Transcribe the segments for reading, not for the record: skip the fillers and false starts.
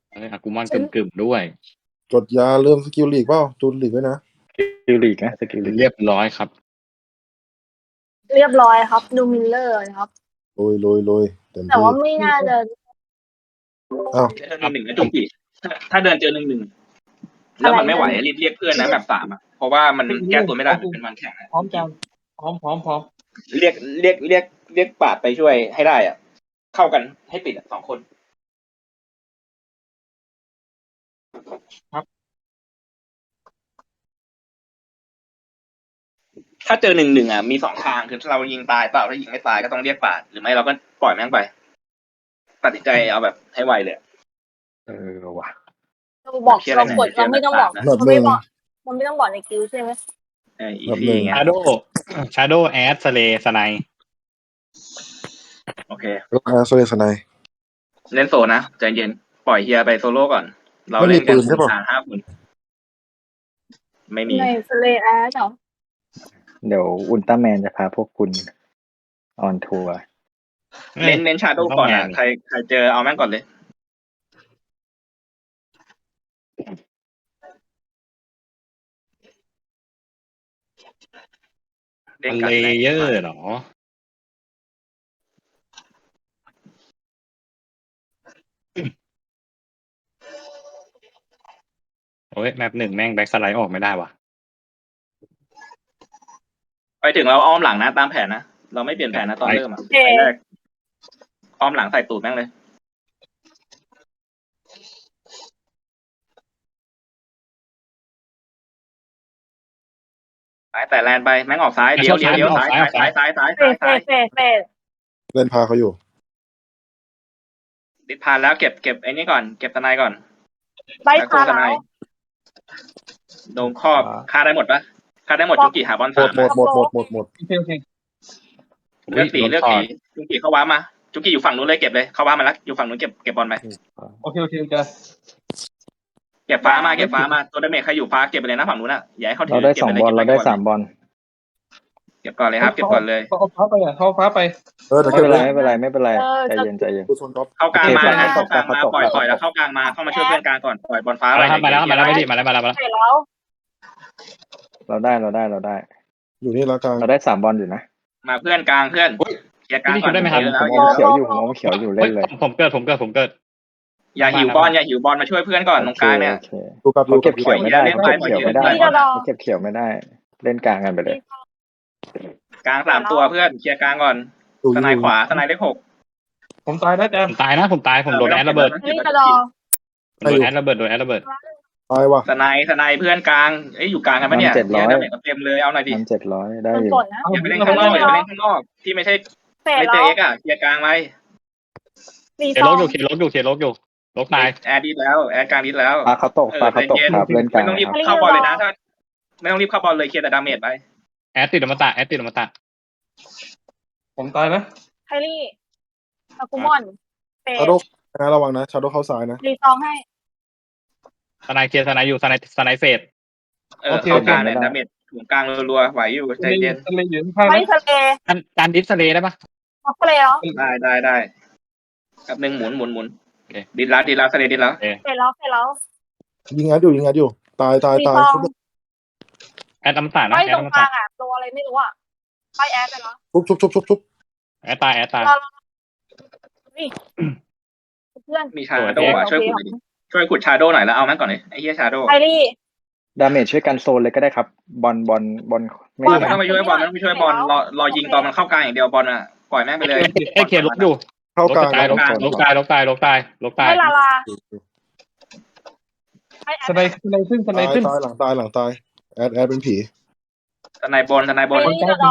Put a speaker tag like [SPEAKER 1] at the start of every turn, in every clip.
[SPEAKER 1] อากูมอนกึ่มด้วย
[SPEAKER 2] กดยาเริ่มสกิลลีกเปล่าจูนลีกไว้นะ
[SPEAKER 3] สกิลลีกนะสกิลลีก
[SPEAKER 1] เรียบร้อยครับ
[SPEAKER 4] เรียบร้อยครับดูมิลเลอร์ครับ
[SPEAKER 2] โรยเต็ม
[SPEAKER 4] แต่
[SPEAKER 2] ที่
[SPEAKER 4] ว่าไม่น่าจะ
[SPEAKER 2] อ้าว
[SPEAKER 5] เดินหนึ่งนะจุกกี้ถ้าเดินเจอ1-1แล้วมันไม่ไหวรีบเรียกเพื่อนนะแบบ3เพราะว่ามันแก้ตัวไม่ได้มันเป็นวันแข่ง
[SPEAKER 6] พร้อมจังพร้อม
[SPEAKER 5] เรียกปาดไปช่วยให้ได้อ่ะเข้ากันให้ติด2 คนถ้าเจอ1-1มี2 ทางคือเรายิงตายเปล่าถ้ายิงไม่ตายก็ต้องเรียกปาดหรือไม่เราก็ปล่อยแม่งไปตัดสินใจเอาแบบให้ไวเลย
[SPEAKER 3] ว่ะ
[SPEAKER 4] เราบอกเรากดเราไม่ต้องบอกเราไม่บอกมันไม่ต้องบอกในคิวใช่ไหม
[SPEAKER 5] อีซี่ไง
[SPEAKER 1] ชาโดแอดสเลสไน
[SPEAKER 5] โอเค
[SPEAKER 2] แล้วโซเลสไน
[SPEAKER 5] เล่นโซนะใจเย็นปล่อยเฮียไปโซโล่ก่อนเราเล่นกัน5 คนไม่มี
[SPEAKER 4] ในสเลแอดเหรอ
[SPEAKER 3] เดี๋ยวอุลตร้าแมนจะพาพวกคุณออนทัวร์
[SPEAKER 5] เน้นชาโดก่อนใครเจอเอาแม่งก่อนเลย
[SPEAKER 1] เลเยอร์เหรอโอ้ยแมป1แม่งแบ็กสไลด์ออกไม่ได้ว่ะ
[SPEAKER 5] ไปถึงเราอ้อมหลังนะตามแผนนะเราไม่เปลี่ยนแผนนะตอนเริ่มไปแรกอ้อมหลังใส่ตูดแม่งเลยไปแต่แลนไปแม่งออกซ้ายเดี๋ยวซ้าย
[SPEAKER 4] เฟด
[SPEAKER 2] เล่นพาเขาอยู่
[SPEAKER 5] ติดพานแล้วเก็บไอ้นี่ก่อนเก็บทนายก่อน
[SPEAKER 4] ใบขาแล้ว
[SPEAKER 5] โดนครอบฆ่าได้หมดปะฆ่าได้หมดจุกิหาบอล
[SPEAKER 2] หมด
[SPEAKER 5] 3
[SPEAKER 2] หมด
[SPEAKER 6] โอเค
[SPEAKER 5] เลือกสีจุกิเข้าว้ามาจุกิอยู่ฝั่งนู้นเลยเก็บเลยเข้าว้ามาแล้วอยู่ฝั่งนู้นเก็บบอลไป
[SPEAKER 6] โอเคจ้ะ
[SPEAKER 5] เก็บฟ้ามาตัวดาเมจใครอยู่ฟ้าเก็บไปเลยนะฝั่งนู้นอ่ะอย่าให้เขาถื
[SPEAKER 3] เราได้2 บอลเราได้3 บอล
[SPEAKER 5] เก็บก่อนเลยครับเก็บก่อนเลย
[SPEAKER 6] เขาฟ้าไปเขาฟ้าไป
[SPEAKER 2] แต่
[SPEAKER 3] ไม่
[SPEAKER 2] เก็บ
[SPEAKER 3] เป็น
[SPEAKER 2] เล
[SPEAKER 3] ไร
[SPEAKER 2] ย
[SPEAKER 3] ไม่เป็นไรใจเย็น
[SPEAKER 2] ดูโซนท็อป
[SPEAKER 5] เข้ากลางมาปล่อยแล้วเข้ากลางมาเข้ามาช่วยเพื่อนกลางก่อนปล่อยบอลฟ้า
[SPEAKER 1] มาแล้วไม่ดีมาแล้ว
[SPEAKER 4] เสร็จแล้ว
[SPEAKER 3] เราได้
[SPEAKER 2] อยู่นี่แล้วกลาง
[SPEAKER 3] เราได้3 บอลอยู่นะ
[SPEAKER 5] มาเพื่อนกลางเพื่อนเคลียร์กลางก่อน
[SPEAKER 3] ผมเขียวอยู่เล่นเลย
[SPEAKER 1] ผมเกิด
[SPEAKER 5] อย่าหิวบอลมาช่วยเพื่อนก่อนตรงกลางเนี่ย
[SPEAKER 2] ดูกับ
[SPEAKER 3] เขาเก็บเขียวไม่ได้เล่นกลางกันไปเลย
[SPEAKER 5] กลาง3 ตัวเพื่อนเคลียร์กลางก่อนทนายขวาทนายเลข 6
[SPEAKER 6] ผมตายแล้วจ้ะ
[SPEAKER 1] ผมตายผมโดนแอดระเบิด
[SPEAKER 4] นี่กระดอ
[SPEAKER 1] โดนแอดระเบิด
[SPEAKER 2] ตายว่ะ
[SPEAKER 5] ทนายเพื่อนกลางอยู่กลางกันปะเนี่ยเต็มเลยเอาหน่อยดิ
[SPEAKER 3] 700ได้
[SPEAKER 4] มัน
[SPEAKER 3] อยู่
[SPEAKER 4] กดนะ
[SPEAKER 5] อย่าไปเล่นข้างนอกที่ไม่ใช่
[SPEAKER 4] เสร็จ
[SPEAKER 5] ไม่เจ
[SPEAKER 4] แล้
[SPEAKER 5] อ
[SPEAKER 4] ว
[SPEAKER 5] เอ็กเคลียร์กลางไว้
[SPEAKER 4] รี
[SPEAKER 1] เค
[SPEAKER 4] ซ
[SPEAKER 1] ล
[SPEAKER 4] อง
[SPEAKER 1] กอยู่ลกตาย
[SPEAKER 5] แอดดิสแล้วแอดกลางดิสแล้ว
[SPEAKER 3] ปลาเขาตกครับเล่นกลาง
[SPEAKER 5] ไม่ต้องรีบเข้าบอลเลยนะถ้าไม่ต้องรีบเข้าบอลเลยเคลียร์แต่ดาเมจไป
[SPEAKER 1] แอดติดอมตะ
[SPEAKER 6] ผมตายนะ
[SPEAKER 4] ไคลี่อากุมอนเฟด
[SPEAKER 2] ชาโดนะระวังนะชาโดเข้าซ้ายนะ
[SPEAKER 4] รีซองให้
[SPEAKER 1] สไนเคลียร์สไนอยู่สไนเฟด
[SPEAKER 5] เข้ากลางเนี่ยดาเมจถุงกลางรัวๆไหวอยู่ใจเย็น
[SPEAKER 6] ทะเลอยู่ข้าง
[SPEAKER 4] ไม่ทะเล
[SPEAKER 1] การดิสเลย์ได้ปะ
[SPEAKER 4] ทับทะเลแล้ว
[SPEAKER 5] ได้กับหนึ่งหมุนดิสแล้วสเลดิสแล้ว
[SPEAKER 4] เสร็จแล้ว
[SPEAKER 2] ยิงงัดอยู่ตาย
[SPEAKER 4] รีซอง
[SPEAKER 1] แอดอมตะนะ
[SPEAKER 4] ไป
[SPEAKER 1] แอ
[SPEAKER 4] ต
[SPEAKER 1] ด
[SPEAKER 4] ร
[SPEAKER 1] อง ม
[SPEAKER 4] ก
[SPEAKER 1] ตะ
[SPEAKER 4] ลางอ่ะตัวอะไรไม่รู้อ่ะไปแอดไปแล้ว
[SPEAKER 2] ชุบ
[SPEAKER 1] แอดตาย
[SPEAKER 4] นี่เพื่อน
[SPEAKER 5] มีชาโดว์ช่วยขุดชาโดว์หน่อยแล้วเอาแม่งก่อนเลยไอ้เหี้ยชาโดว์
[SPEAKER 4] ไคลี่
[SPEAKER 3] ดาเมจช่วยกันโซนเลยก็ได้ครับบอลไม่
[SPEAKER 5] ไม่ต้องไปช่วยบอลรอยิงตอนมันเข้ากลางอย่างเดียวบอลอ่ะปล่อยแม่งไปเลย
[SPEAKER 1] เคลียร์ลกอยู่
[SPEAKER 2] เข้ากลาง
[SPEAKER 1] ลกตาย
[SPEAKER 4] ให้ลาลา
[SPEAKER 6] สไนขึ้น
[SPEAKER 2] ตายหลังตายแอดเป็นผี
[SPEAKER 5] ทนายบอลดินหน่อย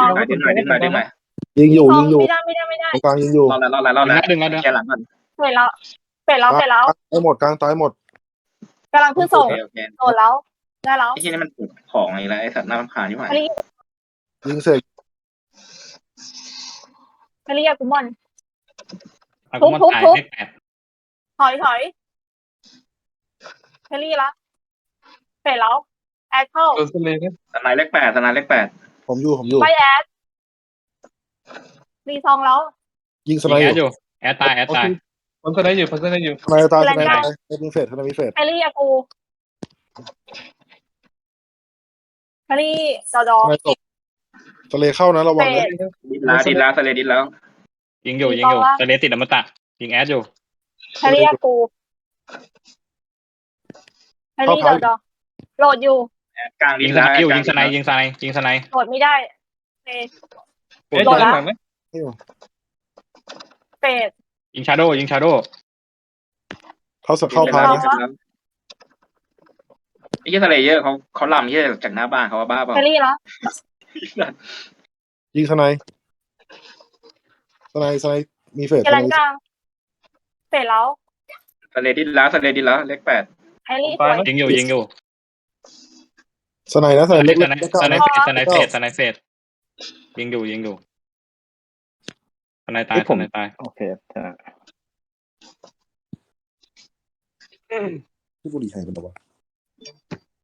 [SPEAKER 2] ยิงอยู่
[SPEAKER 4] ไม่ได้
[SPEAKER 2] กลางยิงอยู่
[SPEAKER 5] รอแล้ว
[SPEAKER 1] ดึง
[SPEAKER 5] แค่หลังก่อน
[SPEAKER 4] เสร็จแล้ว
[SPEAKER 2] ตายหมดกลางตายหมด
[SPEAKER 4] กำลังขึ้นส่งโดนแล้วได้แล้ว
[SPEAKER 5] ไอ้ที่นี่มันปลูกของอะไรแล้วไอ้สัตว์น่ารำคาญอยู่ไหน
[SPEAKER 2] ยิงเสร็จ
[SPEAKER 4] ไคลี่อากุมอน
[SPEAKER 1] อากุมอนตายเลข8
[SPEAKER 4] ถอยไคลี่ละเสร็จแล้วแอดเข้า
[SPEAKER 6] โดนทะเลนะ
[SPEAKER 5] ทนายเลข 8
[SPEAKER 2] ผมอยู่
[SPEAKER 4] ไปแอดรีซองแล้ว
[SPEAKER 2] ยิงส
[SPEAKER 1] ยิ
[SPEAKER 2] ไน
[SPEAKER 1] ง
[SPEAKER 2] ด์
[SPEAKER 1] แอดอยู่แอดตาย
[SPEAKER 6] โอเคผมสไนด์อยู่ผมสไนด์อยู่
[SPEAKER 2] ทนายตายทนายตายมีเฟสทนายมีเฟส
[SPEAKER 4] แฮร์รี่อากูแฮร์รี่ดอดอ
[SPEAKER 2] ทนายตกทะเลเข้านะระวังนะ
[SPEAKER 5] ดินแล้วสเลดินแล้ว
[SPEAKER 1] ยิงอยู่สไนติดอมตะยิงแอดอยู่
[SPEAKER 4] แฮร์รี่อากูแฮร์รี่ดอดอโหลดอยู่
[SPEAKER 5] กลางดิ
[SPEAKER 1] ยิ
[SPEAKER 5] น
[SPEAKER 1] งส
[SPEAKER 5] แล้ว
[SPEAKER 1] ไนอยู่ยิงสไน
[SPEAKER 4] โหลดไม่ได้เฟส
[SPEAKER 6] เอ๊ะ
[SPEAKER 4] โดนละ
[SPEAKER 6] หลังไหม
[SPEAKER 4] เฟส
[SPEAKER 1] ยิงชาโด
[SPEAKER 2] เข้าพานะ
[SPEAKER 5] ไอ้ที่ทะเลเยอะเขาลำที่จากหน้าบ้านเขาว่าบ้าเปล่า
[SPEAKER 4] แฮร์รี่แล้ว
[SPEAKER 2] ยิงทนายมีเฟส
[SPEAKER 4] เกลันกลางเฟสแล้ว
[SPEAKER 5] สเลดินแล้วเลข 8
[SPEAKER 4] แฮร์รี่สวย
[SPEAKER 1] ยิงอยู่
[SPEAKER 2] ทนายนะทนายเล็ก
[SPEAKER 1] สไนเฟสยิงอยู่สไนตาย
[SPEAKER 3] โอเคชนะ
[SPEAKER 2] ที่บุรีไทยเป็นตัว